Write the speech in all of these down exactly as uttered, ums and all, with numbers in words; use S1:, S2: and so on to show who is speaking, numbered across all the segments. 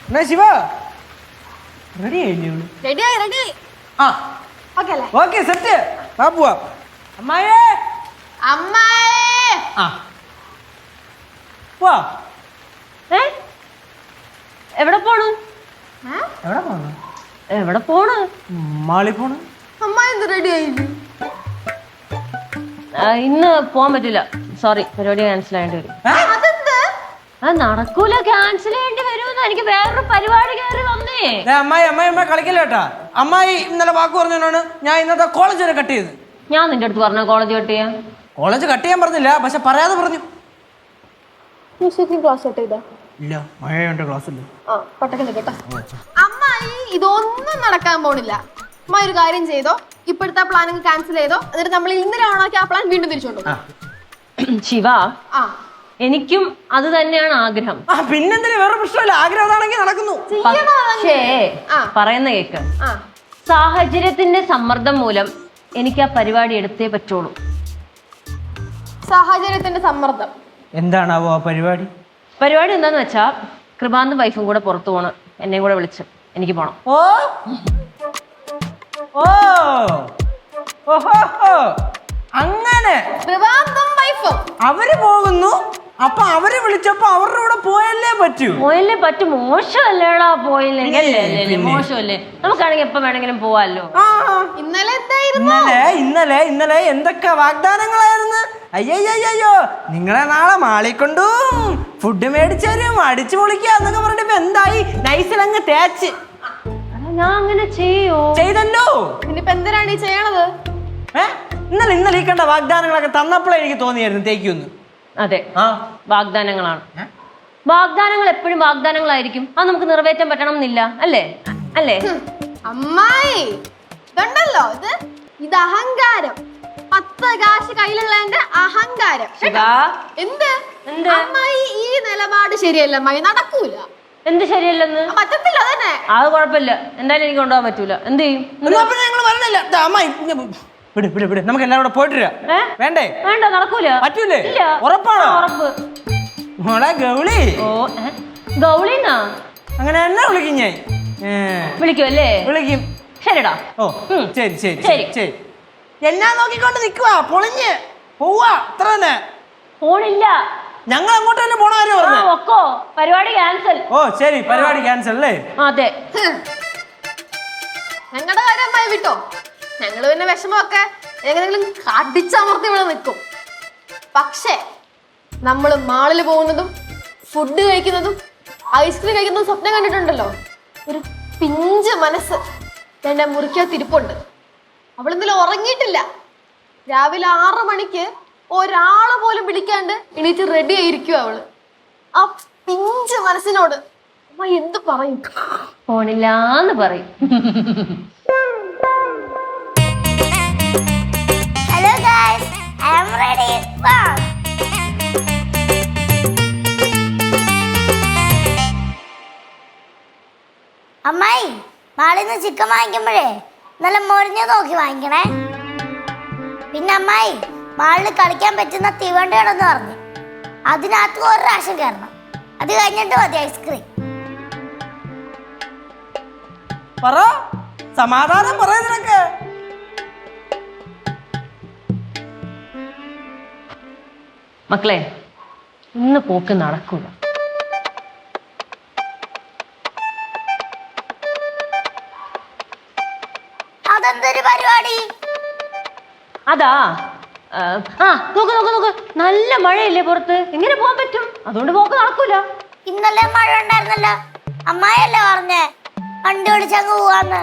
S1: എന്നാ ശിവ റെഡി ആയില്ലേ?
S2: റെഡിയായി റെഡിയായി.
S1: ആ
S2: ഓക്കെ അല്ലേ?
S1: Okay set. വാ പോവാ. അമ്മായേ
S2: അമ്മായേ.
S1: ആ വാ.
S3: ഏ എവിടെ പോണു?
S1: എവിടെ പോണു?
S3: എവിടെ പോണ്?
S1: മാളി പോണു.
S2: അമ്മായി എന്ത് റെഡി ആയില്ലേ?
S3: ഇന്ന് പോവാൻ പറ്റില്ല, സോറി, പരിപാടി ക്യാൻസൽ ആയിട്ട് വരും.
S2: അതെന്ത്?
S3: ആ നടക്കൂല, ക്യാൻസൽ ചെയ്യേണ്ടി വരുമെന്ന്. എനിക്ക് വേറൊരു പരിപാടി കയറി വന്നേ.
S1: അമ്മായി അമ്മായി അമ്മ കളിക്കല്ല കേട്ടാ. അമ്മായി ഇന്നലെ വാക്ക് പറഞ്ഞോണ്ടാണ് ഞാൻ ഇന്നത്തെ കോളേജ് വരെ കട്ട് ചെയ്ത്.
S3: ഞാൻ നിന്റെ അടുത്ത് പറഞ്ഞ കോളേജ് കട്ട് ചെയ്യാൻ?
S1: കോളേജ് കട്ട് ചെയ്യാൻ പറഞ്ഞില്ല, പക്ഷെ പറയാതെ പറഞ്ഞു.
S2: ക്ലാസ് കട്ട് ചെയ്താ?
S1: ഇല്ല, മഴയുണ്ട് ക്ലാസ്സിൽ.
S2: അമ്മായി ഇതൊന്നും നടക്കാൻ പോണില്ല. അമ്മായി ഒരു കാര്യം ചെയ്തോ, ഇപ്പോഴത്തെ പ്ലാനിങ് ക്യാൻസൽ ചെയ്തോ, എന്നിട്ട് നമ്മൾ ഇന്നലെ ഓണാക്കി ആ പ്ലാൻ വീണ്ടും തിരിച്ചോണ്ടോ.
S3: ശിവ,
S2: ആ
S3: എനിക്കും അത് തന്നെയാണ് ആഗ്രഹം.
S1: ആ പിന്നെന്തിന്, വേറെ പ്രശ്നമില്ല. ആഗ്രഹം അതാണെങ്കിൽ നടക്കുന്നു.
S3: പക്ഷേ പറയുന്ന കേക്ക്, സാഹചര്യത്തിന്റെ സമ്മർദ്ദം മൂലം എനിക്ക് ആ പരിപാടി എടുത്തേ പറ്റുള്ളൂ.
S2: സാഹചര്യത്തിന്റെ സമ്മർദ്ദം
S1: എന്താണാവോ ആ പരിപാടി?
S3: പരിപാടി എന്താന്ന് വെച്ചാ കൃപാന്തും വൈഫും കൂടെ പുറത്തു പോണ്. എന്നെയും കൂടെ വിളിച്ച് എനിക്ക് പോണം.
S1: ഓ ഓ ഓഹോ, അങ്ങനെ
S2: കൃപാന്തും വൈഫും
S1: അവര് പോകുന്നു. അപ്പൊ അവര് വിളിച്ചപ്പോ അവരുടെ കൂടെ പോയല്ലേ പറ്റൂ.
S3: പോയല്ലേ പറ്റും. മോശമല്ലേടാ പോയില്ലെങ്കിൽ. അല്ലേ മോശമല്ലേ? നമുക്കാണെങ്കിൽ എപ്പോ വേണമെങ്കിലും പോവാല്ലോ.
S2: ഇന്നലെ
S1: ഇന്നലെ ഇന്നലെ ഇന്നലെ എന്തൊക്കെ വാഗ്ദാനങ്ങളായിരുന്നു. അയ്യോ, നിങ്ങളെ നാളെ മാളിക്കൊണ്ടു ഫുഡ് മേടിച്ചാലും അടിച്ചു പൊളിക്കുക എന്നൊക്കെ പറഞ്ഞിട്ട് എന്തായി? നൈസിലങ്ങ് തേച്ച്.
S3: ഞാൻ അങ്ങനെ ചെയ്യോ?
S1: ചെയ്തല്ലോ.
S2: ഇനിയിപ്പോ എന്തിനാണ് ഈ ചെയ്യണത്?
S1: ഏ ഇന്നലെ ഇന്നലെ ഈ കണ്ട വാഗ്ദാനങ്ങളൊക്കെ തന്നപ്പോഴേ എനിക്ക് തോന്നിയായിരുന്നു തേക്കൊന്ന്.
S3: അതെ, വാഗ്ദാനങ്ങളാണ്. വാഗ്ദാനങ്ങൾ എപ്പോഴും വാഗ്ദാനങ്ങളായിരിക്കും. അത് നമുക്ക് നിറവേറ്റാൻ പറ്റണം എന്നില്ല, അല്ലേ? അല്ലേ
S2: അമ്മായി? ഇതുണ്ടല്ലോ, ഇത് ഇത് അഹങ്കാരം. പത്ത് കാശ് കയ്യിലുള്ളതിന്റെ അഹങ്കാരം. എന്ത് അമ്മായി, ഈ നിലപാട് ശരിയല്ല അമ്മായി, നടക്കൂല.
S3: എന്ത് ശരിയല്ലെന്ന്?
S2: പറ്റത്തില്ല. അതന്നെ,
S3: അത് കുഴപ്പമില്ല. എന്തായാലും എനിക്ക് കൊണ്ടുപോകാൻ പറ്റൂല. എന്ത് ചെയ്യും?
S1: നമുക്ക് എല്ലാവരും കൂടെ പോയിട്ട് വേണ്ടേ?
S3: വേണ്ട, നടക്കൂല.
S1: പറ്റൂലേ? ഉറപ്പാണോ?
S3: ഉറപ്പ്.
S1: മോളെ ഗൗളി.
S3: ഓ ഗൗളിന്നാ?
S1: അങ്ങനെ എന്നെ വിളിക്കും ഞാൻ.
S3: വിളിക്കും അല്ലേ?
S1: വിളിക്കും.
S3: ശരിടാ.
S1: ഓ ശരി ശരി ശരി ശരി. എന്നാ നോക്കിക്കൊണ്ട് നിക്കുവാ? പൊളിഞ്ഞ് പോവാ അത്ര തന്നെ.
S3: പോണില്ല,
S1: ഞങ്ങൾ അങ്ങോട്ട് തന്നെ പോണ കാര്യം പറഞ്ഞു.
S3: ഒക്കോ പരിപാടി ക്യാൻസൽ.
S1: ഓ ശരി, പരിപാടി ക്യാൻസൽ അല്ലേ?
S3: അതെ.
S2: ഞങ്ങളുടെ കാര്യം അമ്മായി വിട്ടോ. ഞങ്ങള് പിന്നെ വിഷമമൊക്കെ എങ്ങനെങ്കിലും അടിച്ചമർത്തി ഇവിടെ നിൽക്കും. പക്ഷേ നമ്മള് മാളിൽ പോകുന്നതും ഫുഡ് കഴിക്കുന്നതും ഐസ്ക്രീം കഴിക്കുന്നതും സ്വപ്നം കണ്ടിട്ടുണ്ടല്ലോ. ഒരു പിഞ്ച് മനസ്സ് എന്റെ മുറിക്കകത്തിരിപ്പുണ്ട്. അവളെന്തെങ്കിലും ഉറങ്ങിയിട്ടില്ല. രാവിലെ ആറു മണിക്ക് ഒരാള് പോലും വിളിക്കാണ്ട് എണീറ്റ് റെഡി ആയിരിക്കും അവള്. ആ പിഞ്ച് മനസ്സിനോട് അമ്മ എന്ത് പറയും?
S3: പോണില്ലാന്ന് പറയും.
S4: Hello guys, I am ready. അമ്മായി, മാളിന്ന് ചിക്കൻ വാങ്ങിക്കുമ്പോഴേ നല്ല മൊരിഞ്ഞത് നോക്കി വാങ്ങിക്കണേ. പിന്നെ അമ്മായി, മാളിൽ കളിക്കാൻ പറ്റുന്ന തീവണ്ടിയാണെന്ന് പറഞ്ഞു. അതിനകത്ത് ഒരു പ്രാവശ്യം കയറണം. അത് കഴിഞ്ഞിട്ട് മതി ഐസ്ക്രീം.
S1: പറ, സമാധാനം പറയുന്നതൊക്കെ.
S3: മക്കളെ, ഇന്ന് പോക്ക് നടക്കൂല.
S4: അതെന്തൊരു പരിപാടി?
S3: അതാ ആ നോക്ക് നോക്ക് നോക്ക്, നല്ല മഴയില്ലേ പുറത്ത്? എങ്ങനെ പോകാൻ പറ്റും? അതുകൊണ്ട് പോക്ക് നടക്കൂല.
S4: ഇന്നലെ മഴ ഉണ്ടായിരുന്നല്ലോ. അമ്മായിയല്ലേ പറഞ്ഞേ വണ്ടി ഓടിച്ചങ്ങ് പോവാന്ന്?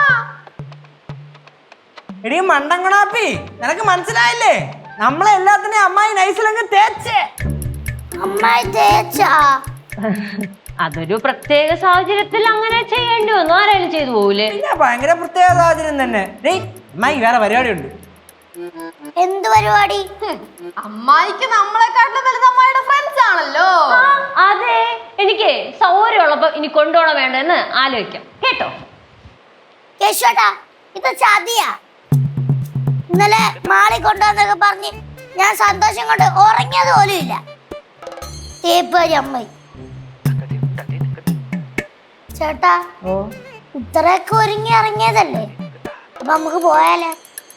S1: എടീ മണ്ടങ്കണാപ്പി, നിനക്ക് മനസ്സിലായില്ലേ? നമ്മളെ എല്ലാത്തിനെയും അമ്മായി നൈസിലങ്ങ് തേച്ചേ.
S4: അമ്മായി തേച്ചാ?
S3: അതൊരു പ്രത്യേക സാഹചര്യത്തിൽ അങ്ങനെ ചെയ്യേണ്ടി വന്നു. ആരായാലും ചെയ്തു പോകൂലേ?
S1: പിന്നെ ഭയങ്കര പ്രത്യേക സാഹചര്യം തന്നെ. അമ്മായി വേറെ പരിപാടി ഉണ്ട്.
S4: എന്ത് പരിപാടി?
S2: അമ്മായിക്ക് നമ്മളെക്കാട്ടിലും വലുത് അമ്മായിയുടെ ഫ്രണ്ട്സ് ആണല്ലോ.
S3: അതെ, എനിക്ക് സൗകര്യമുള്ളപ്പോ ഇനി കൊണ്ടുപോകണം വേണ്ടെന്ന് ആലോചിക്കാം കേട്ടോ.
S4: കേശോട്ടാ, ഇത് ചതിയാ. ഇന്നലെ മാളി കൊണ്ടുവന്നൊക്കെ പറഞ്ഞ് ഞാൻ സന്തോഷം കൊണ്ട് ഉറങ്ങിയത് പോലും ഇല്ല. തേപ്പേരി അമ്മായി. ചേട്ടാ
S3: ഓ
S4: ഇത്രയൊക്കെ ഒരുങ്ങി ഇറങ്ങിയതല്ലേ, അപ്പൊ നമുക്ക് പോയാലേ?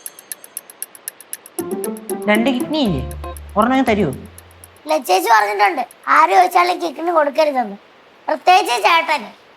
S3: രണ്ട് കിഡ്നി ഇല്ലേ, ഒരെണ്ണം തരുമോ?
S4: ലച്ചേച്ചി പറഞ്ഞിട്ടുണ്ട് ആര് ചോദിച്ചാലും കിക്കിന് കൊടുക്കരുതെന്ന്, പ്രത്യേകിച്ച് ചേട്ടന്.